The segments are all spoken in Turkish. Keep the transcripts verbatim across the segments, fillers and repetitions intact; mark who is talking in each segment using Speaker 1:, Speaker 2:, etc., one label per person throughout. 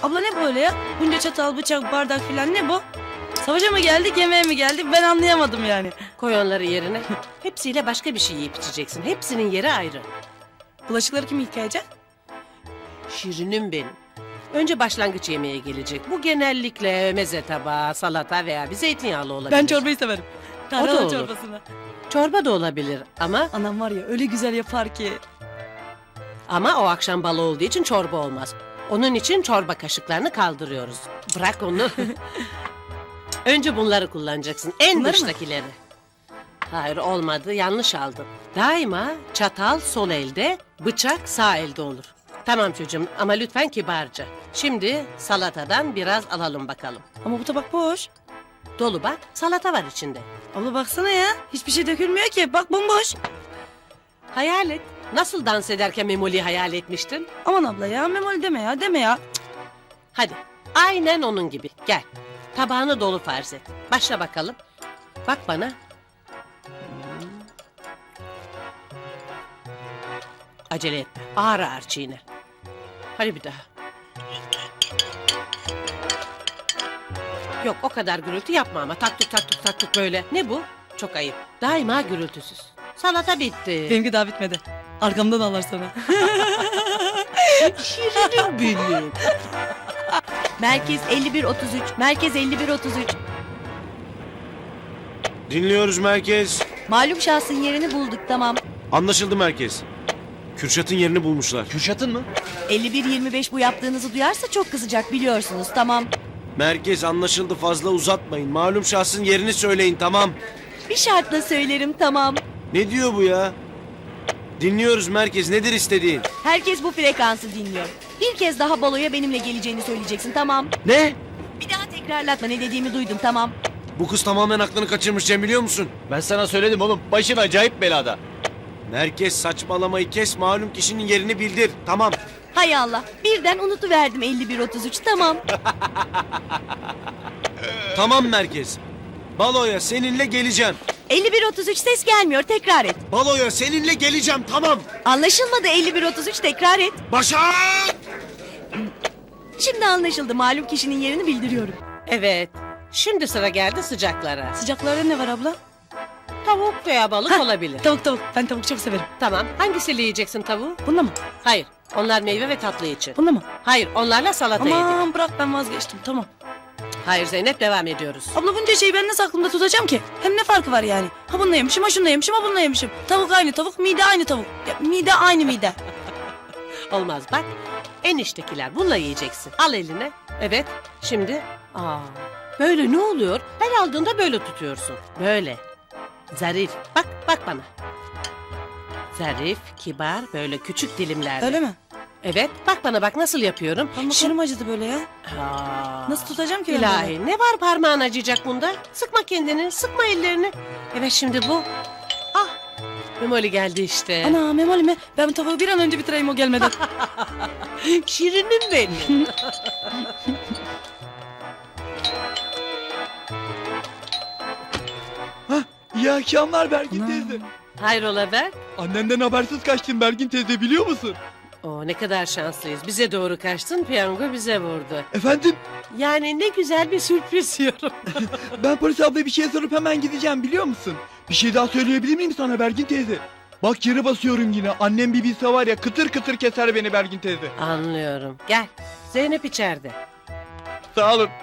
Speaker 1: Abla ne böyle ya? Bunca çatal, bıçak, bardak filan ne bu? Savaşa mı geldik, yemeğe mi geldik? Ben anlayamadım yani.
Speaker 2: Koy onları yerine. Hepsiyle başka bir şey yiyip içeceksin. Hepsinin yeri ayrı.
Speaker 1: Bulaşıkları kim yıkayacak?
Speaker 2: Şirinim benim. Önce başlangıç yemeğe gelecek. Bu genellikle meze tabağı, salata veya bir zeytinyağlı olabilir.
Speaker 1: Ben çorbayı severim.
Speaker 2: da
Speaker 1: Tarhana
Speaker 2: olur.
Speaker 1: çorbasını.
Speaker 2: Çorba da olabilir ama
Speaker 1: Anam var ya öyle güzel yapar ki.
Speaker 2: ama o akşam balı olduğu için çorba olmaz. Onun için çorba kaşıklarını kaldırıyoruz. Bırak onu. Önce bunları kullanacaksın. En
Speaker 1: Bunları mı?
Speaker 2: dıştakileri. Hayır olmadı. Yanlış aldın. Daima çatal sol elde, bıçak sağ elde olur. Tamam çocuğum ama lütfen kibarca. Şimdi salatadan biraz alalım bakalım.
Speaker 1: Ama bu tabak boş.
Speaker 2: Dolu bak, salata var içinde.
Speaker 1: Abla baksana ya. Hiçbir şey dökülmüyor ki. Bak bomboş.
Speaker 2: Hayal et. Nasıl dans ederken Memoli'yi hayal etmiştin?
Speaker 1: Aman abla ya. Memoli deme ya. Deme ya.
Speaker 2: Hadi, aynen onun gibi. Gel, tabağını dolu farz et. Başla bakalım. Bak bana. Hmm. Acele etme, ağır ağır çiğne. Hadi bir daha. Yok, o kadar gürültü yapma ama. Taktuk taktuk taktuk böyle. Ne bu? Çok ayıp. Daima gürültüsüz. Salata bitti.
Speaker 1: Benimki daha bitmedi. Arkamdan ağlar sana.
Speaker 2: Şirinim benim.
Speaker 3: Merkez elli bir otuz üç. Merkez elli bir otuz üç.
Speaker 4: Dinliyoruz merkez.
Speaker 3: Malum şahsın yerini bulduk, tamam.
Speaker 4: Anlaşıldı merkez. Kürşat'ın yerini bulmuşlar.
Speaker 5: Kürşat'ın mı?
Speaker 3: elli bir yirmi beş bu yaptığınızı duyarsa çok kızacak, biliyorsunuz, tamam.
Speaker 4: Merkez anlaşıldı, fazla uzatmayın. Malum şahsın yerini söyleyin, tamam.
Speaker 3: Bir şartla söylerim, tamam.
Speaker 4: Ne diyor bu ya? Dinliyoruz merkez, nedir istediğin?
Speaker 3: Herkes bu frekansı dinliyor. Bir kez daha baloya benimle geleceğini söyleyeceksin, tamam.
Speaker 4: Ne?
Speaker 3: Bir daha tekrarlatma, ne dediğimi duydun, tamam.
Speaker 4: Bu kız tamamen aklını kaçırmış Cem, biliyor musun?
Speaker 5: Ben sana söyledim oğlum. Başın acayip belada.
Speaker 4: Merkez saçmalamayı kes, malum kişinin yerini bildir. Tamam.
Speaker 3: Hay Allah, birden unutuverdim elli bir otuz üç, tamam.
Speaker 4: Tamam merkez. Baloya seninle geleceğim.
Speaker 3: elli bir otuz üç ses gelmiyor, tekrar et.
Speaker 4: Baloya seninle geleceğim, tamam.
Speaker 3: Anlaşılmadı, elli bir otuz üç tekrar et.
Speaker 4: Başak!
Speaker 3: Şimdi anlaşıldı, malum kişinin yerini bildiriyorum.
Speaker 2: Evet, şimdi sıra geldi sıcaklara.
Speaker 1: Sıcaklarda ne var abla?
Speaker 2: Tavuk veya balık
Speaker 1: Hah,
Speaker 2: olabilir.
Speaker 1: Tavuk tavuk. Ben tavuk çok severim.
Speaker 2: Tamam, hangisiyle yiyeceksin tavuğu?
Speaker 1: Bunda mı?
Speaker 2: Hayır, onlar meyve ve tatlı için.
Speaker 1: Bunda mı?
Speaker 2: Hayır, onlarla salata yedik.
Speaker 1: Aman bırak ben vazgeçtim. Tamam.
Speaker 2: Hayır Zeynep, devam ediyoruz.
Speaker 1: Abla bunca şeyi ben nasıl aklımda tutacağım ki? Hem ne farkı var yani? Ha bununla yemişim, ha şununla yemişim, ha bununla yemişim. Tavuk aynı tavuk, mide aynı tavuk. Ya, mide aynı mide.
Speaker 2: Olmaz bak, eniştekiler bununla yiyeceksin. Al eline. Evet, şimdi. Aa, böyle ne oluyor? Her aldığında böyle tutuyorsun. Böyle. Zarif. Bak, bak bana. Zarif, kibar, böyle küçük dilimlerde.
Speaker 1: Öyle mi?
Speaker 2: Evet, bak bana bak nasıl yapıyorum.
Speaker 1: Ama
Speaker 2: Şi-
Speaker 1: kolum acıdı böyle ya.
Speaker 2: Aa,
Speaker 1: Nasıl tutacağım ki ben böyle?
Speaker 2: İlahi, ne var parmağın acıyacak bunda? Sıkma kendini, sıkma ellerini. Evet şimdi bu. Ah, Memoli geldi işte.
Speaker 1: Ana Memoli mi? Ben bu tavuğu bir an önce bitireyim o gelmeden.
Speaker 2: Şirinim benim.
Speaker 5: İyi akşamlar Bergin
Speaker 1: Ana.
Speaker 5: teyze.
Speaker 2: Hayrola Berk?
Speaker 5: Annenden habersiz kaçtın Bergin teyze, biliyor musun?
Speaker 2: Oo, ne kadar şanslıyız. Bize doğru kaçtın, piyango bize vurdu.
Speaker 5: Efendim,
Speaker 2: Yani ne güzel bir sürpriz diyorum.
Speaker 5: ben polis ablaya bir şey sorup hemen gideceğim, biliyor musun? Bir şey daha söyleyebilir miyim sana Bergin teyze? Bak yere basıyorum yine. Annem bir bilse var ya, kıtır kıtır keser beni Bergin teyze.
Speaker 2: Anlıyorum. Gel. Zeynep içeride.
Speaker 5: Sağ olun.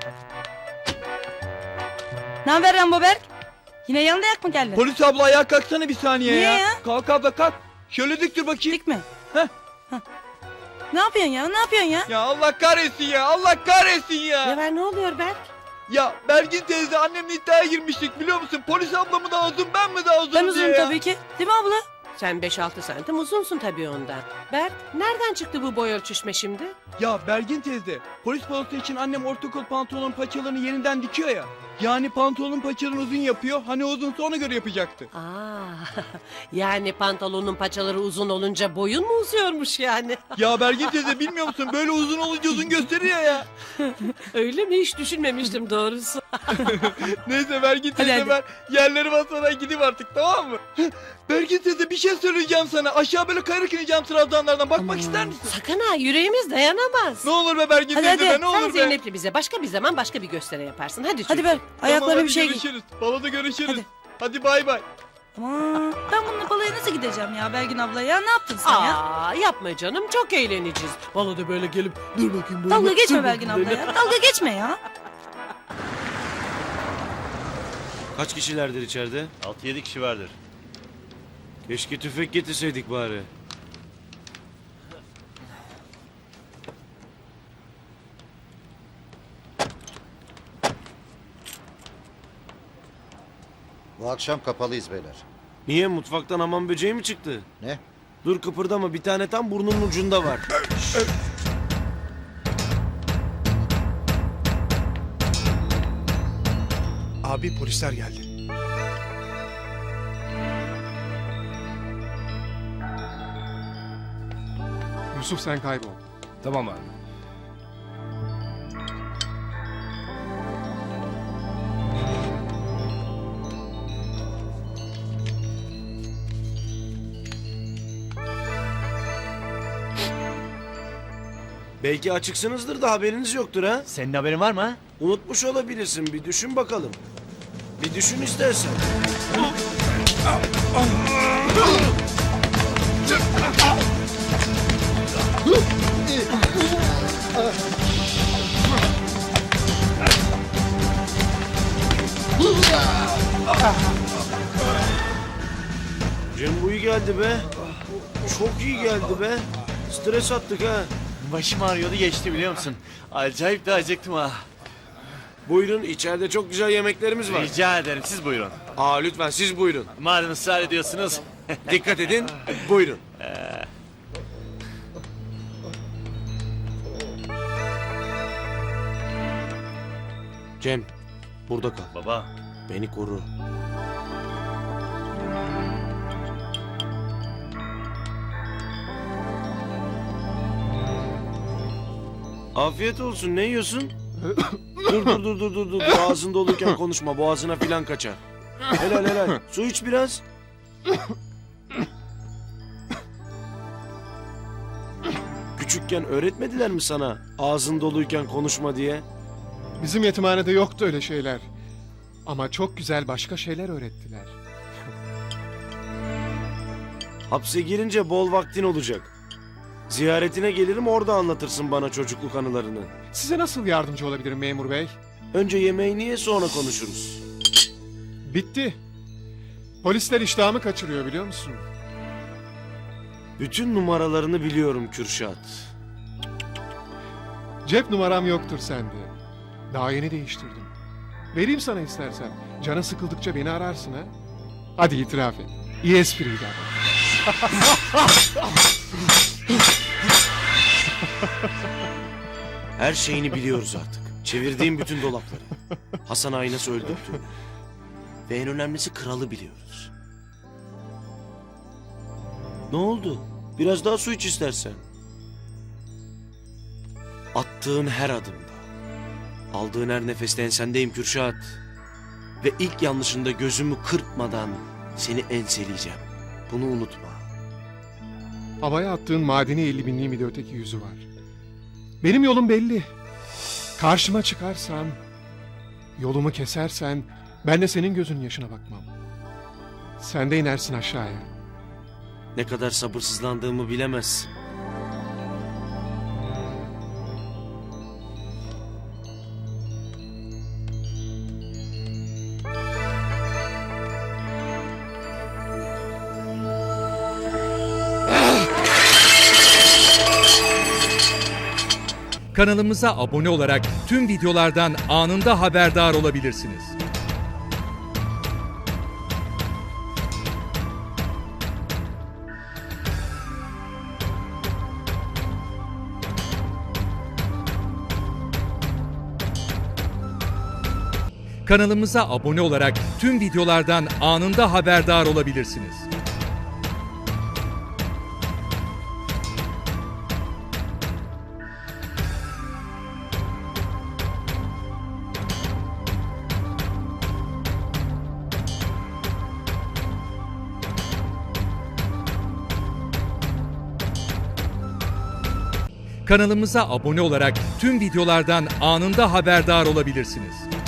Speaker 1: Ne haber Rambo Berk? Yine yanında yak mı geldin?
Speaker 5: Polis abla ayağa kalksana bir saniye
Speaker 1: Niye
Speaker 5: ya.
Speaker 1: ya?
Speaker 5: Kalk abla kalk. Şöyle dik dur bakayım.
Speaker 1: Dik mi?
Speaker 5: Heh.
Speaker 1: Heh. Ne yapıyorsun ya? Ne yapıyorsun ya?
Speaker 5: Ya Allah kahretsin ya. Allah kahretsin ya.
Speaker 2: Ne var, ne oluyor Berk?
Speaker 5: Ya Bergin teyze, annemle iddiaya girmiştik, biliyor musun? Polis abla mı daha uzun, ben mi daha uzun
Speaker 1: Ben
Speaker 5: diye
Speaker 1: uzunum
Speaker 5: ya.
Speaker 1: tabii ki. Değil mi abla?
Speaker 2: Sen beş altı santim uzunsun tabii ondan. Berk, nereden çıktı bu boy ölçüşme şimdi?
Speaker 5: Ya Bergin teyze, polis balası için annem ortakol pantolonun paçalarını yeniden dikiyor ya. Yani pantolonun paçalarını uzun yapıyor. Hani uzunsa ona göre yapacaktı.
Speaker 2: Aa, yani pantolonun paçaları uzun olunca boyun mu uzuyormuş yani?
Speaker 5: Ya Bergin teyze bilmiyor musun? Böyle uzun olunca uzun gösteriyor ya.
Speaker 2: Öyle mi? Hiç düşünmemiştim doğrusu.
Speaker 5: Neyse Bergin teyze
Speaker 1: hadi.
Speaker 5: ben yerleri basmadan gideyim artık, tamam mı? Bergin teyze bir şey söyleyeceğim sana. Aşağı böyle kayarak ineceğim trabzanlardan. Bakmak ister misin?
Speaker 2: Sakın ha, yüreğimiz dayanamaz.
Speaker 5: Ne olur be Bergin
Speaker 1: Hadi,
Speaker 5: teyze
Speaker 1: hadi.
Speaker 5: be, ne
Speaker 2: Sen
Speaker 5: olur be.
Speaker 2: Zeynep'le bize başka bir zaman başka bir gösteri yaparsın. Hadi
Speaker 1: Hadi
Speaker 2: çocuğum.
Speaker 1: ver. Ayaklarına
Speaker 5: Tamam,
Speaker 1: bir şey
Speaker 5: hadi
Speaker 1: giy.
Speaker 5: görüşürüz. Baloda görüşürüz.
Speaker 1: Hadi.
Speaker 5: Hadi bay bay.
Speaker 1: Aman ben bununla balaya nasıl gideceğim ya Belgin abla ya? Ne yaptın sen ya?
Speaker 2: Aa, yapma canım, çok eğleneceğiz. Baloda böyle gelip dur bakayım böyle.
Speaker 1: Dalga geçme
Speaker 2: dur
Speaker 1: Belgin
Speaker 2: bakayım
Speaker 1: abla
Speaker 2: böyle.
Speaker 1: ya. Dalga geçme ya.
Speaker 4: Kaç kişilerdir içeride?
Speaker 6: altı yedi kişi vardır.
Speaker 4: Keşke tüfek getirseydik bari.
Speaker 6: Bu akşam kapalıyız beyler.
Speaker 4: Niye, mutfaktan hamam böceği mi çıktı?
Speaker 6: Ne?
Speaker 4: Dur kıpırdama, bir tane tam burnunun ucunda var.
Speaker 7: Abi polisler geldi. Yusuf sen kaybol.
Speaker 8: Tamam abi.
Speaker 4: Belki açıksınızdır da haberiniz yoktur ha?
Speaker 8: Senin haberin var mı?
Speaker 4: Unutmuş olabilirsin, bir düşün bakalım. Bir düşün istersen. Cem bu iyi geldi be. Çok iyi geldi be. Stres attık ha.
Speaker 8: Başım ağrıyordu, geçti biliyor musun? Acayip de acıktım ha.
Speaker 4: Buyurun, içeride çok güzel yemeklerimiz var.
Speaker 8: Rica ederim, siz buyurun.
Speaker 4: Aa lütfen siz buyurun.
Speaker 8: Madem ısrar ediyorsunuz.
Speaker 4: Dikkat edin. Buyurun. Cem, burada kal.
Speaker 8: Baba,
Speaker 4: Beni koru. Afiyet olsun. Ne yiyorsun? dur dur dur dur dur dur. Ağzın doluyken konuşma. Boğazına filan kaçar. Helal helal. Su iç biraz. Küçükken öğretmediler mi sana ağzın doluyken konuşma diye?
Speaker 7: Bizim yetimhanede yoktu öyle şeyler. Ama çok güzel başka şeyler öğrettiler.
Speaker 4: Hapse girince bol vaktin olacak. Ziyaretine gelirim, orada anlatırsın bana çocukluk anılarını.
Speaker 7: Size nasıl yardımcı olabilirim memur bey?
Speaker 4: Önce yemeğini ye, sonra konuşuruz.
Speaker 7: Bitti. Polisler iştahımı kaçırıyor biliyor musun?
Speaker 4: Bütün numaralarını biliyorum Kürşat.
Speaker 7: Cep numaram yoktur sende. Daha yeni değiştirdim. Vereyim sana istersen. Canın sıkıldıkça beni ararsın ha. Hadi itiraf et. İyi espriydi ama.
Speaker 4: Her şeyini biliyoruz artık. Çevirdiğim bütün dolapları. Hasan Ağa'yı nasıl öldürdüğünü. Ve en önemlisi kralı biliyoruz. Ne oldu? Biraz daha su iç istersen. Attığın her adımda, aldığın her nefeste ensendeyim Kürşat. Ve ilk yanlışında gözümü kırpmadan seni enseleyeceğim. Bunu unutma.
Speaker 7: Havaya attığın madeni elli binliğin bir de öteki yüzü var. Benim yolum belli. Karşıma çıkarsan, yolumu kesersen ben de senin gözünün yaşına bakmam. Sen de inersin aşağıya.
Speaker 4: Ne kadar sabırsızlandığımı bilemezsin.
Speaker 9: Kanalımıza abone olarak tüm videolardan anında haberdar olabilirsiniz. Kanalımıza abone olarak tüm videolardan anında haberdar olabilirsiniz. Kanalımıza abone olarak tüm videolardan anında haberdar olabilirsiniz.